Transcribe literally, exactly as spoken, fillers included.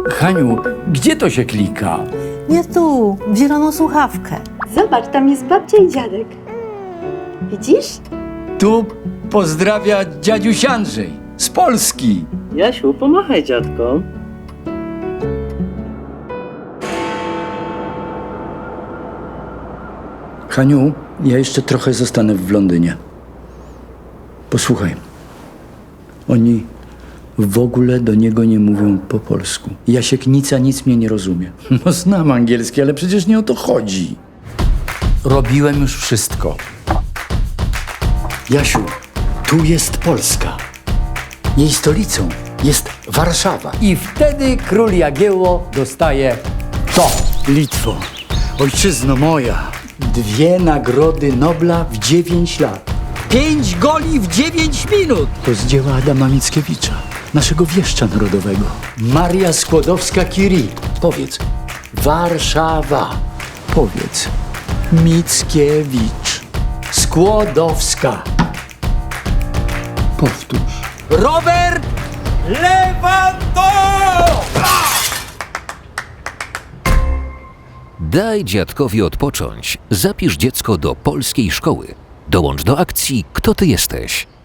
Haniu, gdzie to się klika? Nie tu, w zieloną słuchawkę. Zobacz, tam jest babcia i dziadek. Widzisz? Tu pozdrawia dziadziuś Andrzej z Polski. Jasiu, pomachaj dziadkom. Haniu, ja jeszcze trochę zostanę w Londynie. Posłuchaj, oni w ogóle do niego nie mówią po polsku. Jasienica nic mnie nie rozumie. No znam angielski, ale przecież nie o to chodzi. Robiłem już wszystko. Jasiu, tu jest Polska. Jej stolicą jest Warszawa. I wtedy król Jagiełło dostaje to. Litwo, ojczyzno moja. Dwie nagrody Nobla w dziewięć lat. Pięć goli w dziewięć minut. To z dzieła Adama Mickiewicza, naszego wieszcza narodowego. Maria Skłodowska-Curie. Powiedz. Warszawa. Powiedz. Mickiewicz. Skłodowska. Powtórz. Robert Lewandowski! Daj dziadkowi odpocząć. Zapisz dziecko do polskiej szkoły. Dołącz do akcji Kto ty jesteś?